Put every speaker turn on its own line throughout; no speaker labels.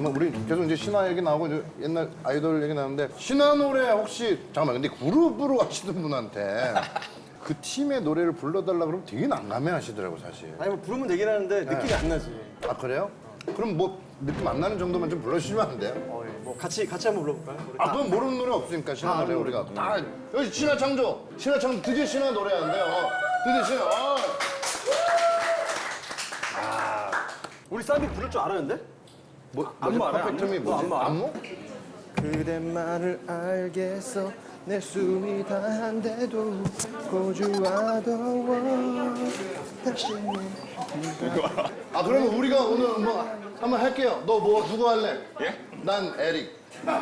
뭐 우리 계속 이제 신화 얘기 나오고 이제 옛날 아이돌 얘기 나오는데 신화 노래 혹시 잠깐만 근데 그룹으로 하시는 분한테 그 팀의 노래를 불러달라 그러면 되게 난감해하시더라고 사실.
아니 뭐 부르면 되긴 하는데 느낌이 안 나지.
아 그래요? 그럼 뭐 느낌 안 나는 정도만 좀 불러주시면 안 돼요?
예. 뭐 같이 한번 불러볼까요? 우리
아 그건 모르는 노래 없으니까 신화 노래 우리가 다 여기 신화 창조 드디어 신화 노래하는데요. 드디어 신화.
우리 쌈이 부를 줄 알았는데?
뭐
안무 알아요?
퍼펙트미
안무?
뭐지?
안무?
안무?
그대만을 알겠어 내 숨이 다한데도 고주하더워 다시
아 그러면 우리가 오늘 뭐 한번 할게요. 너 뭐 누구 할래?
예?
난 에릭. 에릭.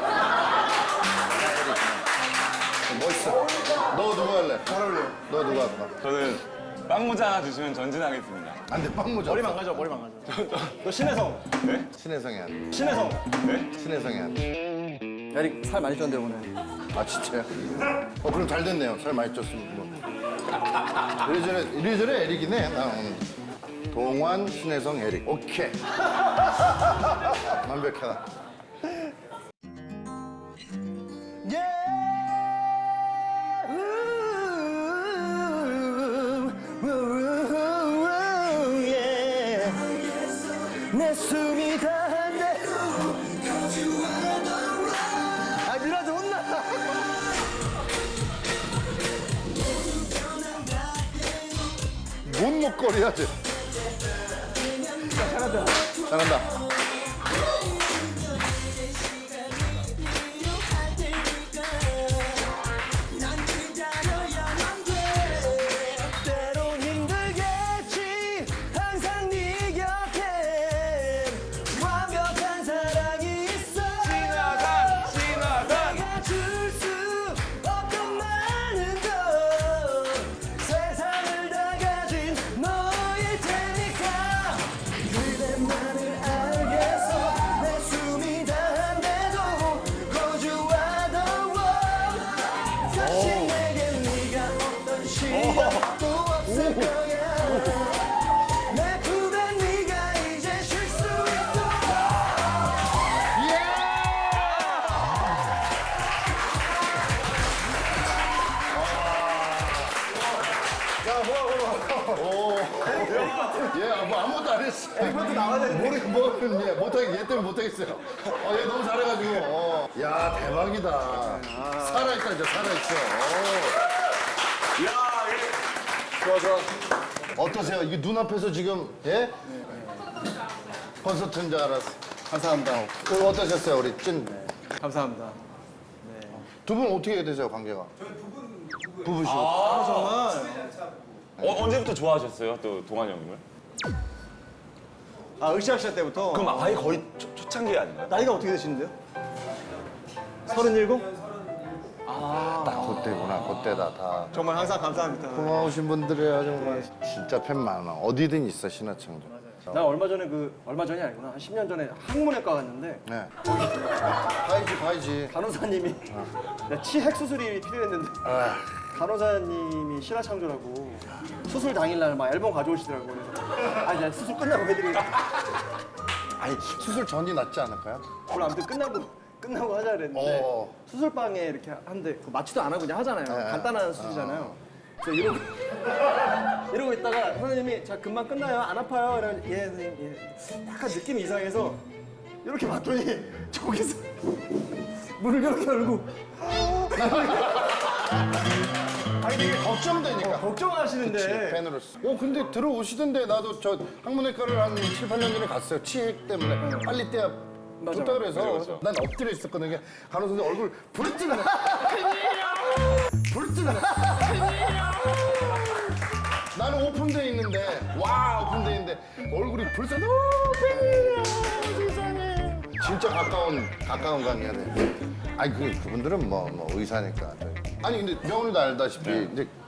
멋있어. 너 누구 할래? 잘 어울려. 너 누구 할까?
저는 빵 모자 하나 주시면 전진하겠습니다.
안돼 빵 모자.
머리 망가져 머리 망가져 너 신혜성
신혜성이 안.
신혜성
신혜성이 안.
에릭 살 많이 쪘는데 오늘
아 진짜요? 그럼 잘 됐네요. 살 많이 쪘으면 뭐. 이래저래 에릭이네. 나 오늘. 동환, 신혜성, 에릭. 오케이. 완벽하다.
내 숨이 다한데 아 미라도 혼나
뭔 목걸이야 쟤.
잘한다
잘한다.
때론 힘들겠지 항상 네 곁에 완벽한 사랑이 있어 내가 줄 수 없던 많은 것 세상을 다 가진 너일 테니까 그대만을 알겠어 내 숨이 다한데도 거주하던 사실 내겐 네가 어떤 시간도 없을 거야 내 품에 네가 이제 쉴 수 있도록
얘 뭐 아무것도 안 했어. 이것도 나와야 되는데. 얘 때문에 못하겠어요. 얘 너무 잘해가지고. 야 대박이다. 살아있다 이제 살아있어.
좋아
어떠세요? 이게 눈앞에서 지금 예? 콘서트인 줄 알았어.
감사합니다
오늘 어떠셨어요 우리 찐?
감사합니다
두 분 어떻게 되세요 관계가? 부부시고.
언제부터 좋아하셨어요? 또 동환이 형님을?
아 으쌰으쌰 때부터
그럼 아예 거의 초창기 아닌가요?
나이가 어떻게 되시는데요? 37?
딱 그때구나 그때다 다.
정말 항상 감사합니다
고마우신 분들이야 정말. 진짜 팬 많아. 어디든 있어 신화창조.
나 얼마 전이 아니구나 한 10년 전에 항문외과 갔는데
네. 봐야지.
간호사님이 내가 치핵 수술이 필요했는데
아,
간호사님이 신화창조라고 수술 당일날 막 앨범 가져오시더라고 그래서 아 이제 수술 끝나고 해드리고
아니 수술 전이 낫지 않을까요?
원래 아무튼 끝나고 하자 그랬는데
어.
수술방에 이렇게 하는데 그 마취도 안 하고 그냥 하잖아요 간단한 수술이잖아요 그래서 이러고 있다가 선생님이 자 금방 끝나요 안 아파요 이러면 예 선생님 예 약간 느낌이 이상해서 이렇게 봤더니 저기서 문을 이렇게 열고
아니 되게 걱정되니까.
걱정하시는데
팬으로서. 근데 들어오시던데 나도 저 항문외과를 한 7, 8년 전에 갔어요. 치핵 때문에 빨리 떼야
맞아.
좋다 그래서
그죠.
난 엎드려 있었거든요. 간호사님 얼굴 불뜨는 불뜨는 나는 오픈돼 있는데 오픈돼 있는데 얼굴이 불쌍 팬이에요 세상에 진짜 가까운 관계야 돼. 아니 그분들은 뭐 의사니까. 아니 근데 명훈이도 알다시피 이제